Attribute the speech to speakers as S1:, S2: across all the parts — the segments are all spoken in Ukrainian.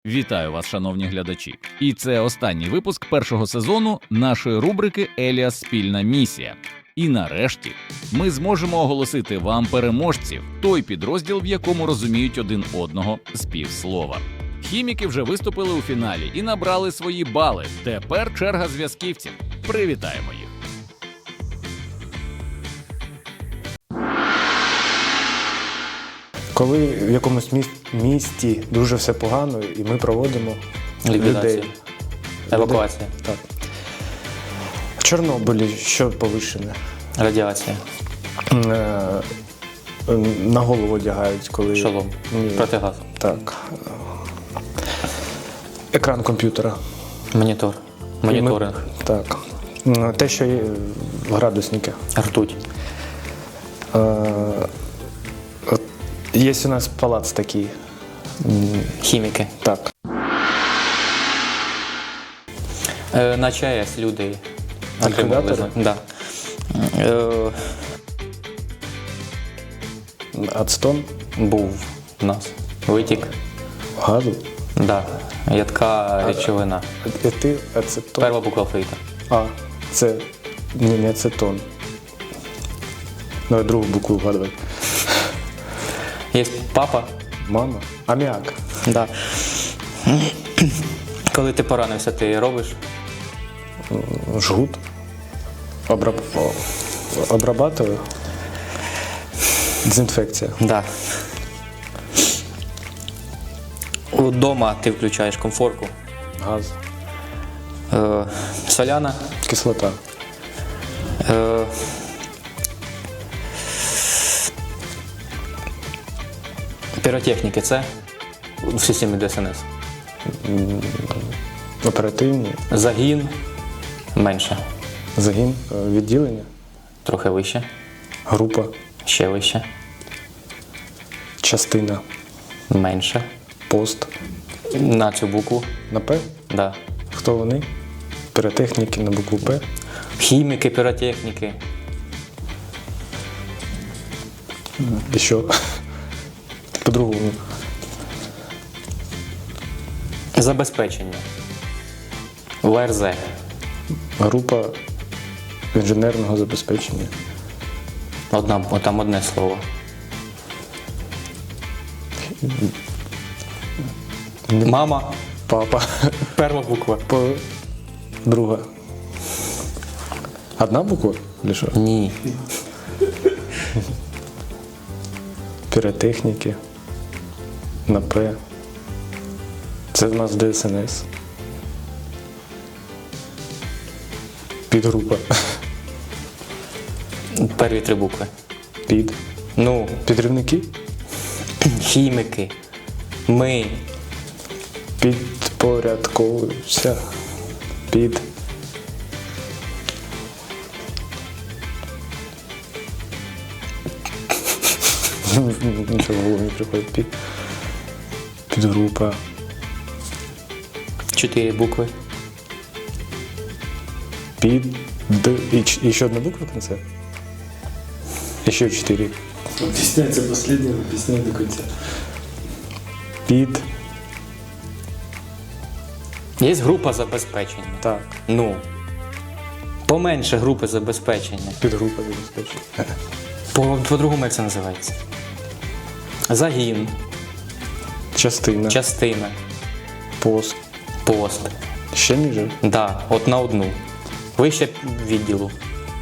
S1: Вітаю вас, шановні глядачі! І це останній випуск першого сезону нашої рубрики «Еліас. Спільна місія». І нарешті ми зможемо оголосити вам переможців, той підрозділ, в якому розуміють один одного з півслова. Хіміки вже виступили у фіналі і набрали свої бали. Тепер черга зв'язківців. Привітаємо їх!
S2: Коли в якомусь місті дуже все погано, і ми проводимо
S3: Ліквідація.
S2: людей.
S3: Евакуація.
S2: Так. В Чорнобилі що повищене?
S3: Радіація.
S2: На голову одягають, коли...
S3: Шолом.
S2: Ні.
S3: Протигаз.
S2: Так. Екран комп'ютера.
S3: Монітор. Моніторинг.
S2: Так. Те, що є градусники.
S3: Ртуть.
S2: Є у нас палац такий.
S3: Хіміки.
S2: Так.
S3: На ЧАЕС люди
S2: Ліквідатори?
S3: отримали. Да.
S2: Ацетон.
S3: Був у нас витік.
S2: Газу.
S3: Да. Ядка речовина.
S2: Етил, ацетон.
S3: Перша буква алфавіта.
S2: А, це не ацетон. Давай другу букву вгадувати.
S3: Є папа.
S2: Мама. Аміак.
S3: Да. Коли ти поранився, ти робиш?
S2: Жгут. Обрабатываю. Дезінфекція.
S3: Да. Удома ти включаєш комфорку.
S2: Газ.
S3: Соляна.
S2: Кислота.
S3: Е, Піротехніки це в системі ДСНС.
S2: Оперативні.
S3: Загін менше.
S2: Загін. Відділення.
S3: Трохи вище.
S2: Група.
S3: Ще вище.
S2: Частина.
S3: Менше.
S2: Пост.
S3: На цю букву.
S2: На П.
S3: Да.
S2: Хто вони? Піротехніки на букву П.
S3: Хіміки, піротехніки.
S2: І що? По-другому.
S3: Забезпечення. ВРЗ.
S2: Група інженерного забезпечення.
S3: Там одне слово. Мама.
S2: Папа.
S3: Перша буква.
S2: Друга. Одна буква? Или що?
S3: Ні.
S2: Піротехніки. На П. Це в нас ДСНС. Підгрупа.
S3: Перві три букви.
S2: Під.
S3: Ну,
S2: Підривники.
S3: хіміки. Ми.
S2: Підпорядковуюся. Під. Нічого в голову не приходить. Підгрупа.
S3: 4 букви.
S2: Під. І ще одна буква в конце? Еще 4.
S4: Объясняется последнее, объясняю до конца.
S2: Під.
S3: Є група забезпечення.
S2: Так.
S3: Ну. Поменше групи забезпечення.
S2: Підгрупа забезпечення.
S3: По-другому як це називається? Загін.
S2: Частина.
S3: Частина.
S2: Пост.
S3: Пост.
S2: Ще ніже.
S3: Да, от на одну. Вище відділу.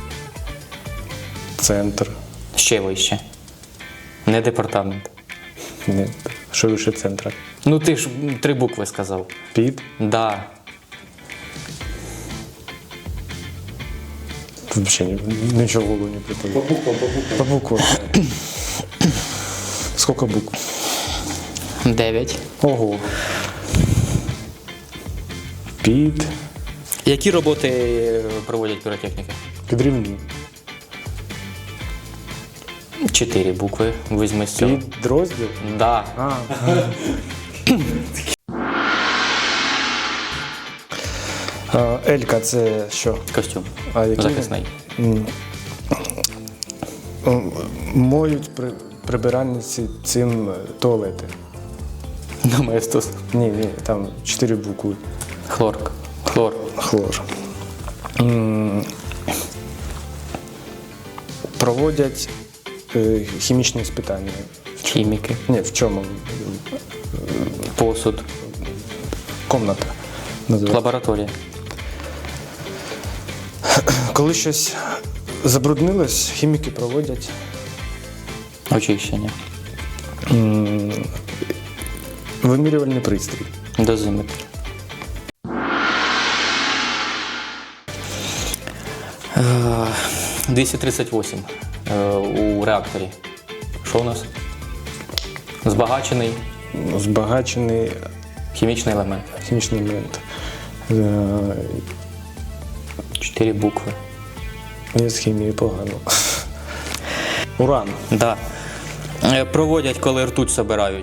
S2: Центр.
S3: Ще вище. Не департамент.
S2: Ні. Що вище центра?
S3: Ну ти ж 3 букви сказав.
S2: Під.
S3: Да.
S2: Тут взагалі нічого в голову не приходить.
S4: По буквам.
S2: По буквам. Скільки букв?
S3: 9.
S2: Ого. Під.
S3: Які роботи проводять піротехніки?
S2: Підрівні.
S3: 4 букви. Візьми з цього.
S2: Підрозділ.
S3: Да.
S2: А. Елька це що?
S3: Костюм.
S2: А який?
S3: Захисний.
S2: Моють прибиральниці цим туалети.
S3: Доместос.
S2: Ні, там 4 букви.
S3: Хлор.
S2: Хлор. Проводять хімічні іспитання.
S3: Хіміки.
S2: Ні, в чому?
S3: Посуд.
S2: Комната. називається.
S3: Лабораторія.
S2: Коли щось забруднилось, хіміки проводять
S3: Очищення.
S2: вимірювальний пристрій.
S3: Дозиметр. Е, 238 у реакторі. Що у нас? Збагачений
S2: Збагачений
S3: хімічний елемент.
S2: хімічний елемент.
S3: 4 букви.
S2: Я з хімією погано. Уран.
S3: Да. Проводять, коли ртуть собирають.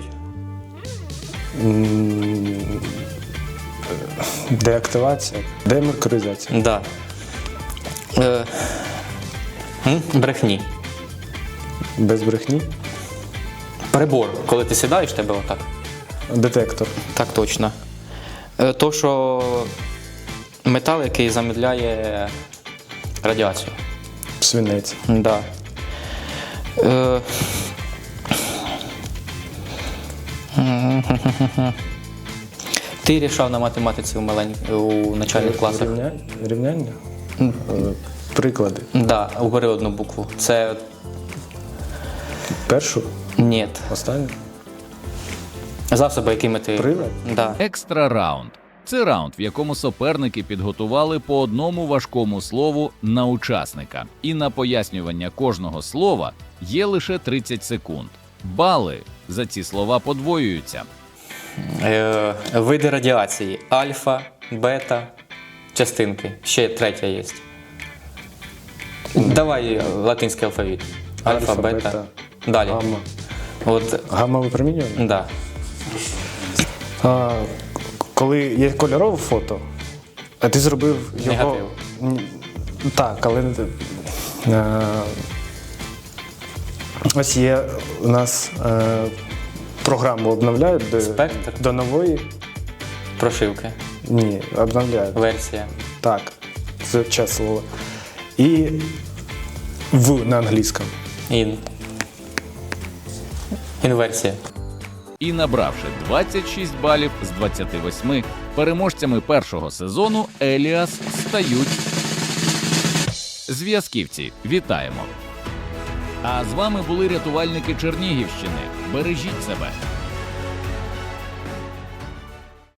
S2: Деактивація. Демеркуризація.
S3: Да. Брехні.
S2: Без брехні.
S3: Прибор, коли ти сідаєш, тебе отак.
S2: Детектор.
S3: Так точно. То, що метал, який замедляє радіацію.
S2: Свинець.
S3: Да. Ти рішав на математиці у начальних класах?
S2: Рівняння? Приклади.
S3: Да, убери одну букву. Це
S2: Першу,
S3: ні.
S2: останню.
S3: Засоби, якими ти.
S2: Прилад?
S3: Да.
S1: Екстра раунд. Це раунд, в якому суперники підготували по одному важкому слову на учасника. І на пояснювання кожного слова є лише 30 секунд. Бали за ці слова подвоюються.
S3: Види радіації. Альфа, бета, частинки. Ще третя є. Давай латинський алфавіт. Альфа, бета. Далі.
S2: Гамма.
S3: От,
S2: Гамма випромінювання?
S3: да.
S2: Коли є кольорове фото, а ти зробив його.
S3: Негатив.
S2: Так, але ось є у нас програму обновляють
S3: Спектр?
S2: до нової.
S3: Прошивки.
S2: Ні, обновляють.
S3: Версія.
S2: Так, це час слова. І в на англійському.
S3: Інверсія.
S1: І набравши 26 балів з 28, переможцями першого сезону Еліас стають зв'язківці. Вітаємо! А з вами були рятувальники Чернігівщини. Бережіть себе!